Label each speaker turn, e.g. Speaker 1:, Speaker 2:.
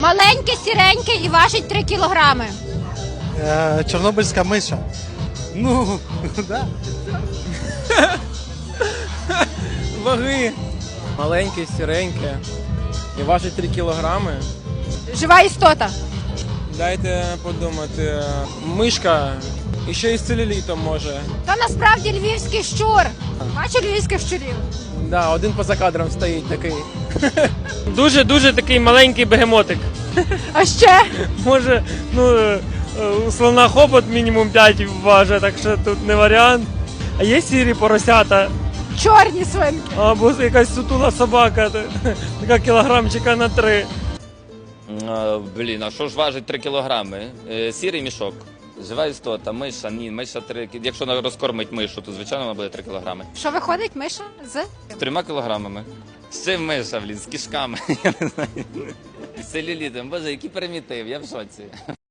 Speaker 1: Маленьке, сіреньке і важить 3 кілограми.
Speaker 2: Чорнобильська миша. Ну, да.
Speaker 3: Ваги. Маленьке, сіреньке. І важить 3 кілограми.
Speaker 1: Жива істота.
Speaker 3: Дайте подумати. Мишка. І ще й з целюлітом може.
Speaker 1: То насправді львівський щур. Бачу львівських щурів.
Speaker 3: Да, один поза кадром стоїть такий.
Speaker 4: Дуже такий маленький бегемотик.
Speaker 1: А ще?
Speaker 4: Може, у слона хобот мінімум 5 важить, так що тут не варіант. А є сірі поросята,
Speaker 1: Чорні свинки.
Speaker 4: або якась сутула собака, така кілограмчика на 3.
Speaker 5: Блін, а що ж важить 3 кілограми? Сірий мішок. Жива істота, миша, ні, миша 3 кілограми. Якщо розкормить мишу, то звичайно вона буде 3 кілограми.
Speaker 1: Що виходить, миша? З?
Speaker 5: З 3 кілограмами. З чим миша, блін, з кишками, я не знаю. З целюлітом, боже, який примітив, я в шоці.